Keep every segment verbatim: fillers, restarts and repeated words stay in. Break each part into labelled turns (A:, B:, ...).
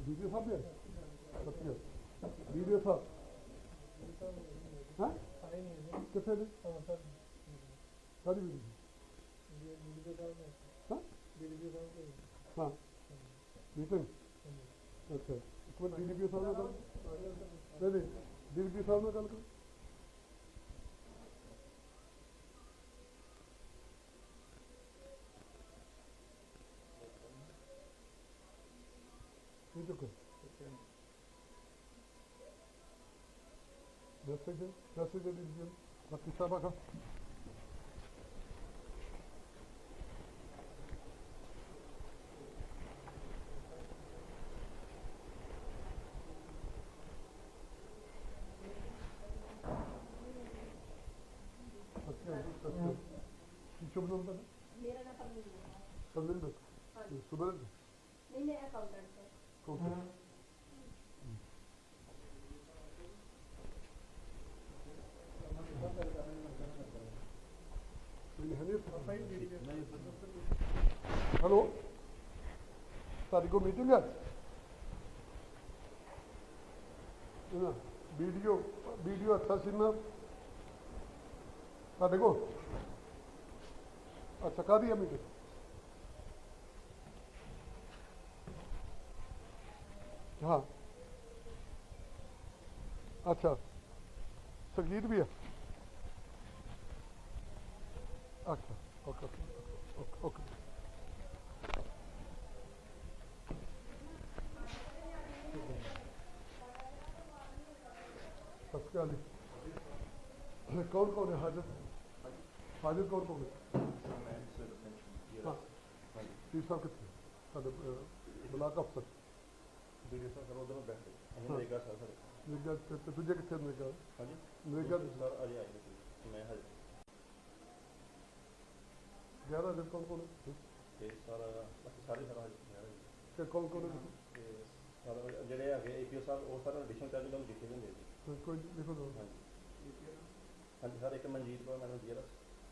A: video साहब भी है वीडियो साहब हाँ कितने दिन सारी वीडियो हाँ हाँ मीटिंग अच्छा एक बार डी डी पी साहब ने गल नहीं नहीं डी डी पी साहब ने गल कर चुके मैसेज मैसेज दे दीजिए बाकी साहब का शुभ नाम था मेरा नाम परमिंदर सुबह नहीं मैं अकाउंटेंट हेलो सारी को मीटिंग है वीडियो वीडियो अच्छा सी ना साढ़े को अच्छा कह दिया मीटिंग हाँ अच्छा संगीत भी है अच्छा ओके ओके ओके सत्याली कौन कौन है हाजिर हाजिर कौन कौन है हाँ तीस साल कितने साढ़े ब्लाक अफसर नरेगा तुझे कितने नरेगा नरेगा ग्यारह दिन कौन कौन है कौन कौन है
B: ਜਿਹੜੇ ਹੈਗੇ ਏਪੀਓ ਸਾਹਿਬ ਉਹ ਸਾਰਾ ਐਡੀਸ਼ਨਲ ਚਾਰਜ ਤੁਹਾਨੂੰ ਦਿੱਤੇ ਹੁੰਦੇ ਜੀ
A: ਕੋਈ ਲਿਖੋ ਦੋ
B: ਹਾਂਜੀ ਹਾਂਜੀ ਸਰ ਇੱਕ ਮਨਜੀਤ ਕੌਰ ਮੈਡਮ ਜੀਆਰਐਸ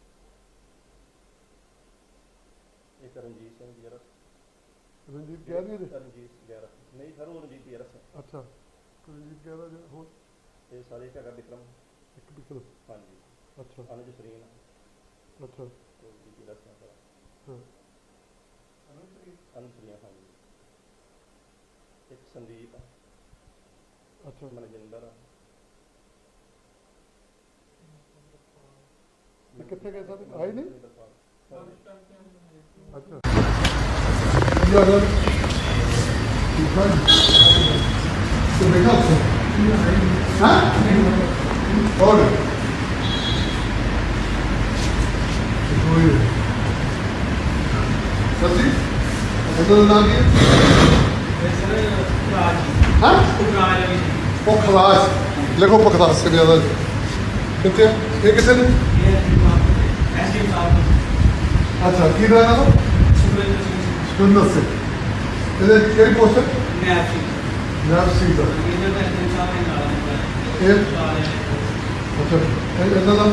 B: ਇੱਕ ਰਣਜੀਤ ਸਿੰਘ ਜੀਆਰਐਸ
A: ਰਣਜੀਤ ਕਹਿ ਰਹੀ ਹੈ
B: ਰਣਜੀਤ ਜੀਆਰਐਸ ਨਹੀਂ ਸਰ ਉਹ ਰਣਜੀਤ ਜੀਆਰਐਸ
A: ਅੱਛਾ ਰਣਜੀਤ ਕਹਿ ਰਿਹਾ ਹੋਰ
B: ਇਹ ਸਾਰੇ ਇੱਕ ਹੈਗਾ ਵਿਕਰਮ
A: ਇੱਕ ਵਿਕਰਮ
B: ਹਾਂਜੀ
A: ਅੱਛਾ
B: ਅਨੁਜ ਸਰੀਨ
A: ਅੱਛਾ
B: ਜੀ ਜੀਆਰਐਸ ਹਾਂ ਅਨੁਜ ਸਰੀਨ ਅਨੁਜ ਸਰੀਨ ਹਾਂਜੀ एक संदीप
A: अच्छा
B: मनजिंदर
A: कितने गए साथ आए नहीं अच्छा और सची नाम पुखराज लिखो पुखराज से ज्यादा कितने ये कितने ने अच्छा की रहना तो सुंदर से इधर केड़ी पोस्ट है नैब सी का ये अच्छा इधर ना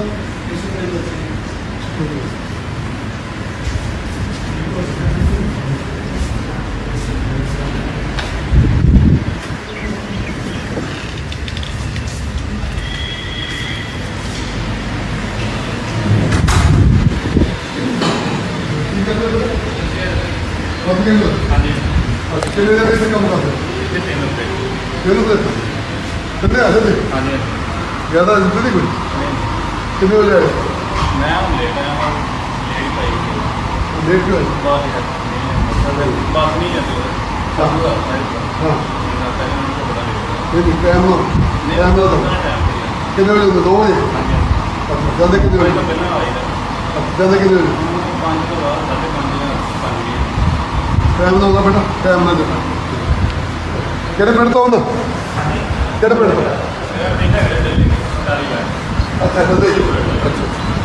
A: कितने देर से काम करते हैं तीन रुपये कितने आते थे ज़्यादा जितने नहीं कुछ कितने बजे आए
B: मैं हम लेट आया हूँ
A: लेट क्यों
B: बस नहीं जाती
A: हाँ नहीं टाइम ना टाइम ना था कितने बजे दो बजे अच्छा ज़्यादा कितने बजे ज़्यादा कितने बजे
B: पाँच तो बाद साढ़े पाँच
A: टाइम ना होगा बेटा टाइम ना देना ਕਿਹੜੇ ਪਿੰਡ ਤੋਂ ਆਉਂਦਾ ਕਿਹੜੇ ਪਿੰਡ ਤੋਂ ਅੱਛਾ ਜਲਦੀ ਅੱਛਾ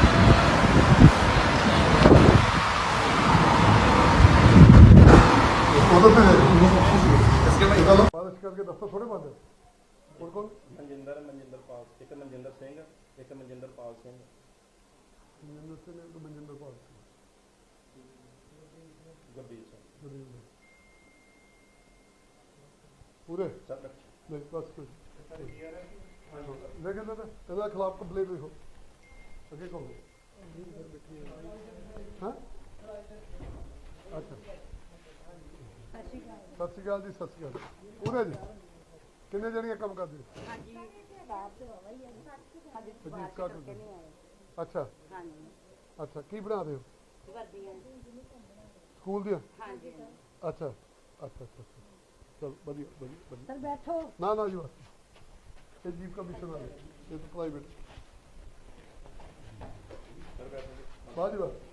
A: ਉਹਦਾ ਤੇ इसके बाद निकालो बारिश करके दफ्तर थोड़े बंद है और कौन
B: मनजिंदर मनजिंदर पाल एक मनजिंदर सिंह एक मनजिंदर पाल सिंह
A: मनजिंदर सिंह एक मनजिंदर पाल सिंह
B: गुरदीप सिंह
A: ਪੂਰੇ
B: ਸਰ
A: ਨਹੀਂ ਬਸ ਕੋਈ ਲੇਕਿਨ ਇਹਦਾ ਇਹਦਾ ਖਿਲਾਫ ਕੰਪਲੇਂਟ ਲਿਖੋ ਅੱਗੇ ਕਹੋ ਹਾਂ ਅੱਛਾ ਸਤਿ ਸ਼੍ਰੀ ਅਕਾਲ ਜੀ ਸਤਿ ਸ਼੍ਰੀ ਅਕਾਲ ਪੂਰੇ ਜੀ ਕਿੰਨੇ ਜਣੀਆਂ ਕੰਮ ਕਰਦੇ ਹੋ
C: ਹਾਂਜੀ ਸਟਾਫ ਤੇ ਹੋਵਾ ਹੀ ਹੈ ਹਾਂਜੀ
A: ਜੀ,
C: ਬਾਹਰ
A: start
C: ਕਰਕੇ ਨਹੀਂ ਆਏ
A: ਅੱਛਾ
C: ਹਾਂਜੀ
A: ਅੱਛਾ ਕੀ ਬਣਾਦੇ ਹੋ
C: ਵਰਦੀਆਂ
A: ਸਕੂਲ ਦੀਆਂ
C: ਹਾਂਜੀ
A: ਅੱਛਾ ਅੱਛਾ ਅੱਛਾ ਅੱਛਾ ਚਲ ਵਧੀਆ ਵਧੀਆ ਵਧੀਆ
C: ਸਰ ਬੈਠੋ
A: ਨਾ ਨਾ ਜੀ ਬਸ ਇਹ ਜੀਵ ਕਮਿਸ਼ਨ ਵਾਲੇ ਇਹ ਪ੍ਰਾਈਵੇਟ
B: ਸਰ
A: ਬਾਜੀ ਬਸ